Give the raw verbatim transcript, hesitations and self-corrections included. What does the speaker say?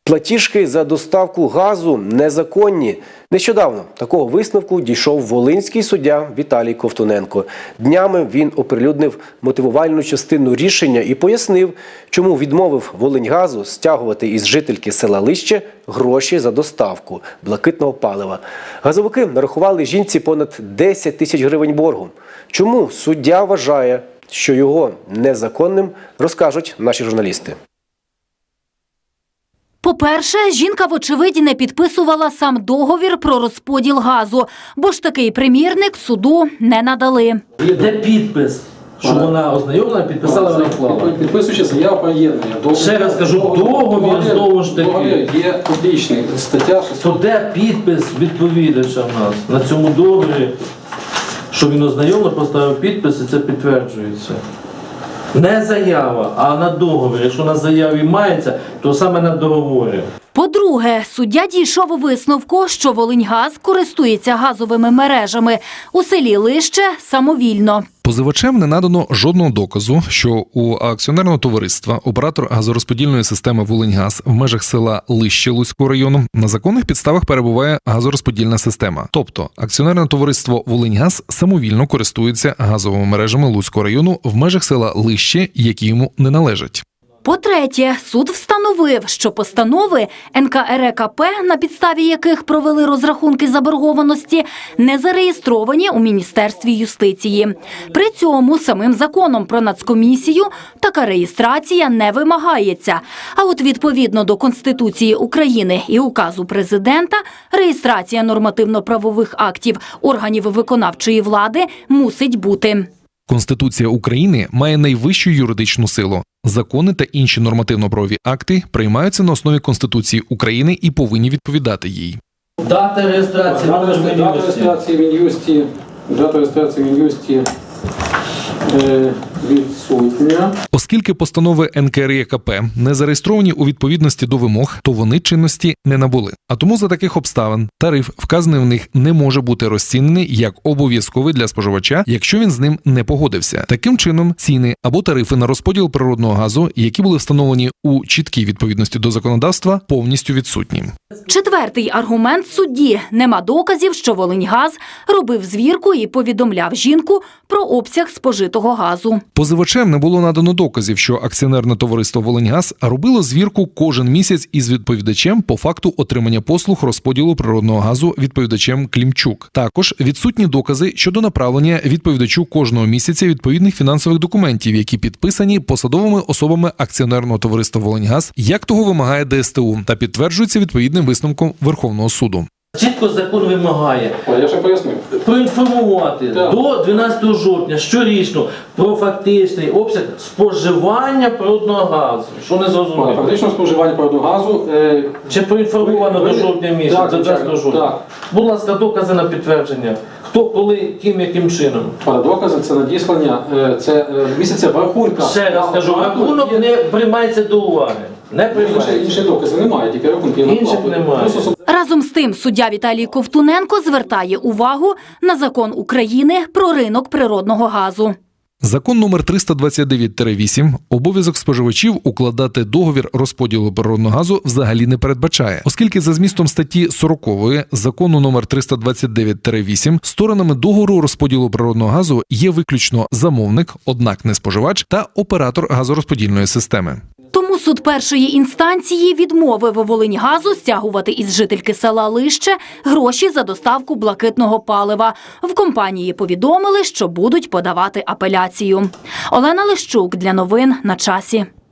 Платіжки за доставку газу незаконні. Нещодавно такого висновку дійшов волинський суддя Віталій Ковтуненко. Днями він оприлюднив мотивувальну частину рішення і пояснив, чому відмовив Волиньгазу стягувати із жительки села Лище гроші за доставку блакитного палива. Газовики нарахували жінці понад десять тисяч гривень боргу. Чому суддя вважає, що його незаконним, розкажуть наші журналісти. По-перше, жінка, вочевидь, не підписувала сам договір про розподіл газу, бо ж такий примірник суду не надали. Де підпис, що вона ознайомлена, підписала, вона вклала? Підписуючи заяву про єднання. Ще раз кажу, договір знову ж таки. Є публічний, стаття шістсот. То де підпис відповідача в нас на цьому договорі, що він ознайомлений, поставив підпис і це підтверджується? Не заява, а на договорі. Якщо на заяві мається, то саме на договорі. По-друге, суддя дійшов у висновку, що Волиньгаз користується газовими мережами у селі Лище самовільно. Позивачем не надано жодного доказу, що у акціонерного товариства оператор газорозподільної системи «Волиньгаз» в межах села Лище Луцького району на законних підставах перебуває газорозподільна система. Тобто акціонерне товариство «Волиньгаз» самовільно користується газовими мережами Луцького району в межах села Лище, які йому не належать. По-третє, суд встановив, що постанови ен ка ер е ка пе, на підставі яких провели розрахунки заборгованості, не зареєстровані у Міністерстві юстиції. При цьому самим законом про нацкомісію така реєстрація не вимагається. А от відповідно до Конституції України і указу президента, реєстрація нормативно-правових актів органів виконавчої влади мусить бути. Конституція України має найвищу юридичну силу. Закони та інші нормативно-правові акти приймаються на основі Конституції України і повинні відповідати їй. Дата реєстрації Дата реєстрації в Мін'юсті, дата реєстрації в Мін'юсті е, відсутня. Оскільки постанови ен ка ер е ка пе не зареєстровані у відповідності до вимог, то вони чинності не набули. А тому за таких обставин тариф, вказаний в них, не може бути розцінений як обов'язковий для споживача, якщо він з ним не погодився. Таким чином, ціни або тарифи на розподіл природного газу, які були встановлені у чіткій відповідності до законодавства, повністю відсутні. Четвертий аргумент судді – нема доказів, що Волиньгаз робив звірку і повідомляв жінку про обсяг спожитого газу. Позивачем не було надано доказів, що акціонерне товариство «Волиньгаз» робило звірку кожен місяць із відповідачем по факту отримання послуг розподілу природного газу відповідачем Клімчук. Також відсутні докази щодо направлення відповідачу кожного місяця відповідних фінансових документів, які підписані посадовими особами акціонерного товариства «Волиньгаз», як того вимагає де ес те у, та підтверджується відповідним висновком Верховного суду. Чітко закон вимагає Я ще пояснив. проінформувати Так. до дванадцятого жовтня щорічно про фактичний обсяг споживання природного газу. Що не зрозуміло? Фактично споживання природного газу. Е, Чи проінформовано ви- до ви- жовтня місяця, Так, до дванадцятого звичайно, жовтня? так. Будь ласка, докази на підтвердження. Хто, коли, ким, яким чином? Докази це надіслання, е, це е, місяця в рахунках. Ще раз кажу, рахунок Є- не приймається до уваги. Не Інші, приймається. інші докази немає, тільки рахунки. Інших немає. Просто Разом з тим, суддя Віталій Ковтуненко звертає увагу на закон України про ринок природного газу. Закон номер триста двадцять дев'ять вісім обов'язок споживачів укладати договір розподілу природного газу взагалі не передбачає, оскільки за змістом статті сорокової закону номер триста двадцять дев'ять вісім сторонами договору розподілу природного газу є виключно замовник, однак не споживач, та оператор газорозподільної системи. Тому суд першої інстанції відмовив Волиньгазу стягувати із жительки села Лище гроші за доставку блакитного палива. В компанії повідомили, що будуть подавати апеляцію. Олена Лищук для новин на часі.